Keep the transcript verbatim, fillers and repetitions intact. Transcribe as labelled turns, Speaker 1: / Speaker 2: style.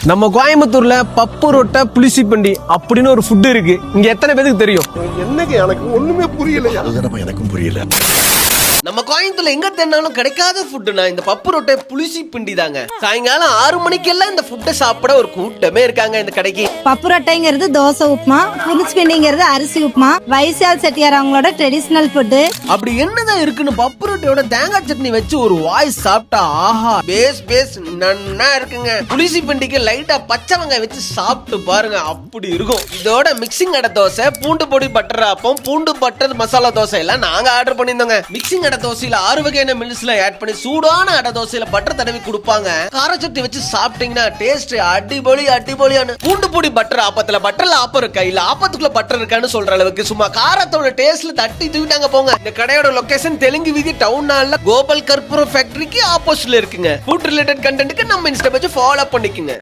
Speaker 1: நம்ம கோயம்புத்தூர்ல பப்பு ரொட்டை புளிசி பண்டி அப்படின்னு ஒரு ஃபுட் இருக்கு. இங்க எத்தனை பேருக்கு தெரியும்?
Speaker 2: என்னங்க எனக்கு ஒண்ணுமே புரியல. அதுதானப்பா எனக்கும் புரியல.
Speaker 1: நம்ம கோயம்புத்தூர்ல எங்க தேடினாலும் கிடைக்காத ஃபுட்டுனா இந்த பப்பு ரொட்டை புளிசி பிண்டி தாங்க. சாயங்காலம் ஆறு மணிக்கெல்லாம் இந்த ஃபுட்டை சாப்பிட ஒரு கூட்டமே இருக்காங்க இந்த கடைக்கு.
Speaker 3: பப்பு ரொட்டைங்கிறது தோசை உப்புமா, புளிசி பிண்டிங்கிறது அரிசி உப்புமா, வைசால் செட்டியார் அவங்களோட ட்ரெடிஷனல் ஃபுட்டு.
Speaker 1: அப்படி என்னதான் இருக்குன்னு பப்பு ரொட்டையோட தேங்காய் சட்னி வச்சு ஒரு வாய் சாப்பிட்டா ஆஹா பேஸ் பேஸ் நன்னா இருக்குங்க. புளிசி பிண்டிக்கு லைட்டா பச்சை வெங்காயம் வச்சு சாப்பிட்டு பாருங்க, அப்படி இருக்கும். இதோட மிக்சிங் அடை தோசை, பூண்டு பொடி பட்டர் ஆப்பம், பூண்டு பட்டர் மசாலா தோசை எல்லாம் நாங்க ஆர்டர் பண்ணியிருந்தோங்க. மிக்சிங் அடை தோசையில ஆறு வகையான மில்ஸ்ல ஆட் பண்ணி சூடான அடை தோசையில பட்டர் தடவி கொடுப்பாங்க. கார சட்னி வச்சு சாப்பிட்டீங்கன்னா டேஸ்ட் அடிபொலி அடிபொலியான. பூண்டு பொடி பட்டர் ஆப்பத்துல பட்டர்ல ஆப்பம் இருக்கா இல்ல ஆப்பத்துக்குள்ள பட்டர் இருக்கான்னு சொல்ற அளவுக்கு சும்மா காரத்தோட டேஸ்ட்ல தட்டி தூக்கிட்டாங்க போங்க. இந்த கடையோட லொகேஷன் தெலுங்கு வீதி டவுன் ஹால்ல கோபால் கற்பூர ஃபேக்டரிக்கு ஆப்போசிட்ல இருக்குங்க. ஃபுட் ரிலேட்டட் கண்டென்ட்க்கு நம்ம இன்ஸ்டா பேஜ் ஃபாலோ பண்ணிக்கங்க.